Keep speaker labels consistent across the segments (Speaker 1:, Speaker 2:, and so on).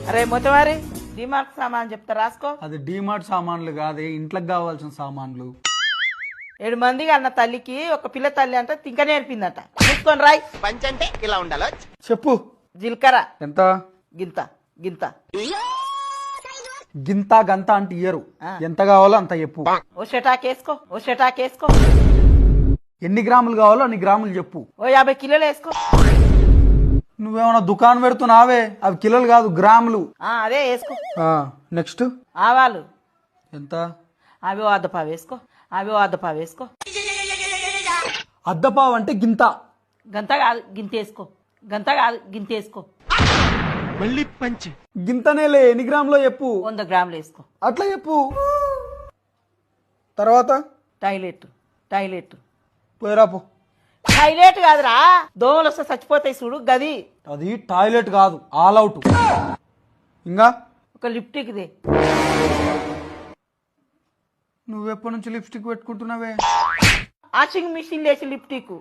Speaker 1: అరే మొత్తవారి డిమార్ట్ సామాన్ చెప్తా రాసుకో.
Speaker 2: అది డిమార్ట్ సామాన్లు కాదే, ఇంట్లోకి కావాల్సిన సామాన్లు.
Speaker 1: 7 మందికి అన్న తల్లికి ఒక పిల్ల తల్లి అంటే తింక నేర్పిందట. చూసుకొని రాయ్.
Speaker 3: పంచ్ అంటే ఇలా ఉండాలి.
Speaker 2: చెప్పు.
Speaker 1: జీలకర్ర
Speaker 2: ఎంత?
Speaker 1: గింత గింత.
Speaker 2: గింత గంత అంటే ఇయ్యరు, ఎంత కావాలో అంత చెప్పు.
Speaker 1: ఓ షటాకేసుకో, ఓ షటాకేసుకో.
Speaker 2: ఎన్ని గ్రాములు కావాలో అన్ని గ్రాములు చెప్పు.
Speaker 1: ఓ 50 కిలోలు వేసుకో.
Speaker 2: నువ్వేమన్నా దుకాణం పెడుతున్నావే, అవి కిలోలు కాదు గ్రాములు.
Speaker 1: అదే వేసుకో.
Speaker 2: నెక్స్ట్
Speaker 1: ఆవాలు
Speaker 2: ఎంత?
Speaker 1: అవి ఓ అద్దపావు వేసుకో, అవి ఓ అద్దపావు వేసుకో.
Speaker 2: అద్దపావు అంటే గింత.
Speaker 1: గంత కాదు గింత వేసుకో, గంత కాదు గింత వేసుకో.
Speaker 3: మళ్ళీ పంచ్.
Speaker 2: గింతనేలే, ఎన్ని గ్రాములో చెప్పు.
Speaker 1: 100 గ్రాములు వేసుకో.
Speaker 2: అట్లా చెప్పు. తర్వాత
Speaker 1: టాయిలెట్ టాయిలెట్
Speaker 2: పోయిరాపు.
Speaker 1: టాయిలెట్ కాదురా, దోమలు వస్తే చచ్చిపోతాయి చూడు గది.
Speaker 2: అది టాయిలెట్ కాదు, ఆల్ అవుట్. ఇంకా
Speaker 1: ఒక లిప్టిక్ దే.
Speaker 2: నువ్వెప్పటి నుంచి లిప్స్టిక్ పెట్టుకుంటున్నావే?
Speaker 1: వాషింగ్ మిషన్ లేచి లిప్టిక్.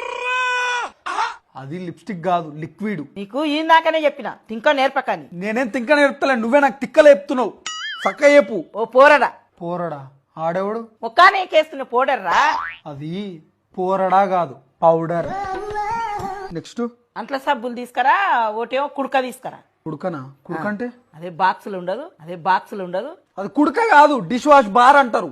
Speaker 2: అది లిప్స్టిక్ కాదు, లిక్విడ్.
Speaker 1: నీకు ఇందాకనే చెప్పిన తింక నేర్పకని.
Speaker 2: నేనేం తింక నేర్పుతలే, నువ్వే నాకు తిక్కలు చెప్తున్నావు. చక్క చెప్పు.
Speaker 1: ఓ పోరడా.
Speaker 2: పోరడా? ఆడేవాడు?
Speaker 1: ముఖానే కేస్తున్న పౌడర్రా.
Speaker 2: అది పోరడా కాదు, పౌడర్. నెక్స్ట్
Speaker 1: అంట్ల సబ్బులు తీసుకురా, ఒకటేమో కుడక తీసుకురా.
Speaker 2: కుడుకనా? కుడుక అంటే
Speaker 1: అదే బాక్సులు ఉండదు, అదే బాక్సులు ఉండదు.
Speaker 2: అది కుడుక కాదు, డిష్ వాష్ బార్ అంటారు.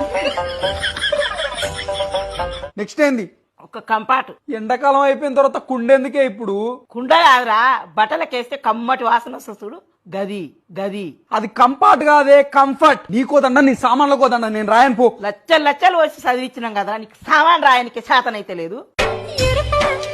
Speaker 2: నెక్స్ట్ ఏంది?
Speaker 1: ఒక కంపాటు.
Speaker 2: ఎండాకాలం అయిపోయిన తర్వాత కుండెందుకే ఇప్పుడు?
Speaker 1: కుండ కాదురా, బట్టలకేస్తే కమ్మటి వాసన వస్తుంది చూడు గది గది.
Speaker 2: అది కంఫర్ట్ కాదే, కంఫర్ట్. నీకోదండ, నీ సామాన్ల కోదండ, నేను రాయను పో.
Speaker 1: లచ్చలు లచ్చలు వచ్చి చదివించినాం కదా, నీకు సామాన్ రాయనికి శాతనైతే లేదు.